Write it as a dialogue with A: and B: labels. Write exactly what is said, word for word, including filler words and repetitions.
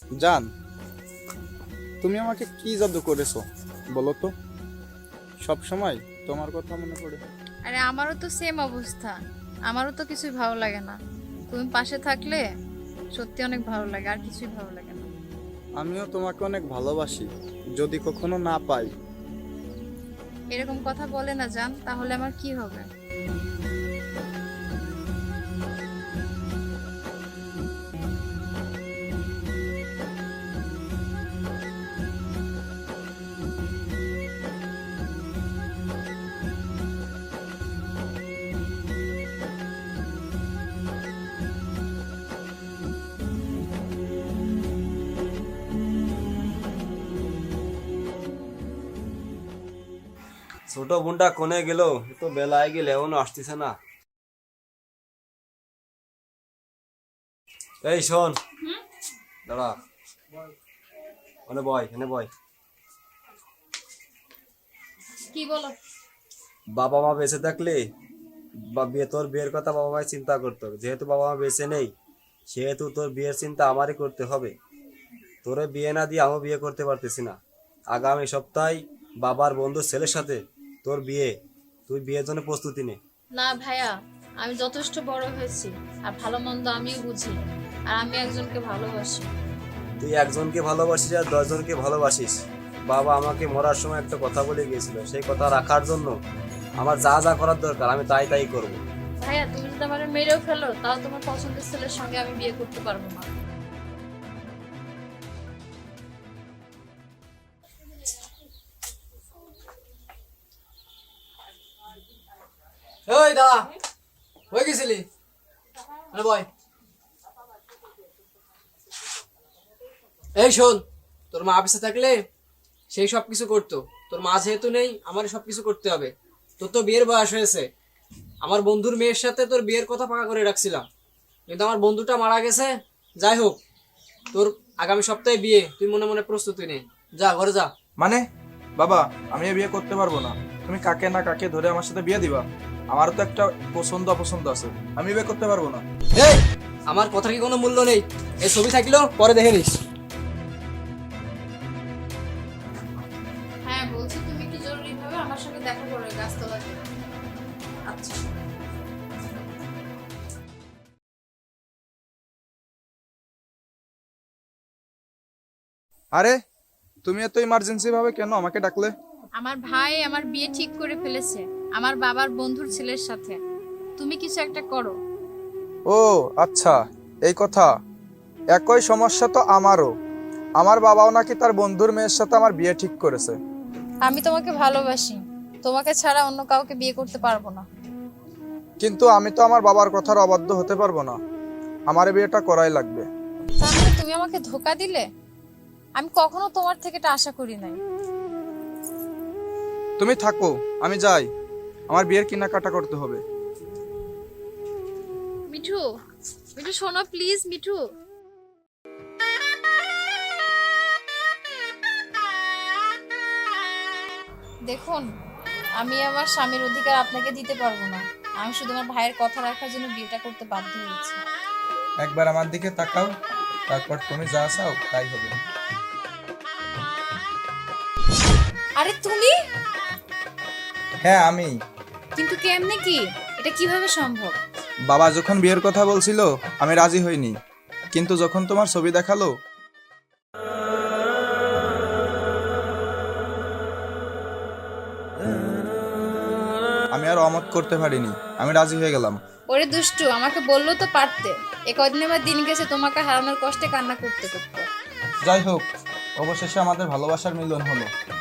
A: জান, তুমি আমাকে কি জাদু করেছো বলো তো? সব সময় তোমার কথা মনে পড়ে।
B: আরে আমারও তো সেম অবস্থা। আমারও তো কিছুই ভালো লাগে না। তুমি পাশে থাকলে সত্যি অনেক ভালো লাগে, আর কিছুই ভালো লাগে না।
A: আমিও তোমাকে অনেক ভালোবাসি, যদি কখনো না পাই।
B: এরকম কথা বলে না জান, তাহলে আমার কি হবে?
C: ছোট বোনটা কোনে গেল? এ তো বেলায় গেলে এখনো আসতেছে না। এই শোন, দাঁড়া, ওনে বয়, এনে বয়।
B: কি বলো?
C: বাবা মা বেঁচে থাকলে বা বিয়ে তোর বিয়ের কথা বাবা মায় চিন্তা করতো, যেহেতু বাবা মা বেঁচে নেই সেহেতু তোর বিয়ের চিন্তা আমারই করতে হবে। তোরে বিয়ে না দিয়ে আমিও বিয়ে করতে পারতেছি না। আগামী সপ্তাহে বাবার বন্ধুর ছেলের সাথে তোর বিয়ে, তুই বিয়ের জন্য প্রস্তুতি নে।
B: না ভাইয়া, আমি যথেষ্ট বড় হয়েছি, আর ভালো মন্দ আমিও বুঝি, আর আমি একজনকে ভালোবাসি।
C: তুই একজনকে ভালোবাসিস আর দশজনকে ভালোবাসিস। বাবা আমাকে মরার সময় একটা কথা বলে গিয়েছিল, সেই কথা রাখার জন্য আমার যা যা করার দরকার আমি তাই তাই করব।
B: ভাইয়া, তুমি যদি আমার মেরেও ফেলো, তাও তোমার পছন্দের ছেলের সঙ্গে আমি বিয়ে করতে পারবো না।
D: ওই দাদা, হয়ে গেছিলি? আরে বয়। এই শোন, তোর মা অফিসে থাকলে সেই সব কিছু করতো, তোর মা যেহেতু নেই আমার সব কিছু করতে হবে। তোর তো বিয়ের বয়স হয়েছে, আমার বন্ধুর মেয়ের সাথে তোর বিয়ের কথা পাকা করে রাখছিলাম, কিন্তু আমার বন্ধুটা মারা গেছে। যাই হোক, তোর আগামী সপ্তাহে বিয়ে, তুই মনে মনে প্রস্তুতি নে, যা ঘরে যা।
E: মানে বাবা, আমি এ বিয়ে করতে পারবো না। তুমি কাকে না কাকে ধরে আমার সাথে বিয়ে দিবা? আমারও তো একটা পছন্দ অপছন্দ আছে, আমি বিয়ে করতে পারবো না।
D: এই, আমার কথার কি কোনো মূল্য নেই? এই ছবি থাকলেও পরে দেখে নিস।
B: হ্যাঁ বলছি, তুমি একটু জরুরি ভাবে আমার সঙ্গে দেখা করো এই গাছতলাতে। আচ্ছা।
A: আরে, তুমি এত ইমার্জেন্সি ভাবে কেন আমাকে ডাকলে?
B: আমার ভাই আমার বিয়ে ঠিক করে ফেলেছে আমার বাবার বন্ধুর ছেলের সাথে। তুমি কিছু একটা করো।
A: ও আচ্ছা, এই কথা। একই সমস্যা তো আমারও। আমার বাবাও নাকি তার বন্ধুর মেয়ের সাথে আমার বিয়ে ঠিক করেছে।
B: আমি তোমাকে ভালোবাসি, তোমাকে ছাড়া অন্য কাউকে বিয়ে করতে পারবো না।
A: কিন্তু আমি তো আমার বাবার কথার অবাধ্য হতে পারবো না। আমার এই বিয়েটা করাই লাগবে।
B: তাহলে তুমি আমাকে ধোকা দিলে? আমি কখনো তোমার থেকে এটা আশা করি নাই।
A: তুমি থাকো, আমি যাই। আমার বিয়ের কেনাকাটা করতে হবে।
B: মিঠু, মিঠু শোনো প্লিজ। মিঠু, দেখুন, আমি আমার স্বামীর অধিকার আপনাকে দিতে পারবো না। আমি শুধু আমার ভাইয়ের কথা রাখার জন্য বিয়েটা করতে বাধ্য হয়েছি।
A: একবার আমার দিকে তাকাও, তারপর তুমি যা চাও তাই হবে।
B: আরে তুমি?
A: হ্যাঁ আমি।
B: কিন্তু কেমনে কি? এটা কিভাবে সম্ভব?
A: বাবা যখন বিয়ের কথা বলছিল আমি রাজি হইনি, কিন্তু যখন তোমার ছবি দেখালো আমি আর অমত করতে পারিনি, আমি রাজি হয়ে গেলাম।
B: ওরে দুষ্টু, আমাকে বললো তো পারতে। এ কদিন আমার দিন গেছে তোমাকে হারানোর কষ্টে কান্না করতে করতে।
A: যাই হোক, অবশেষে আমাদের ভালোবাসার মিলন হলো।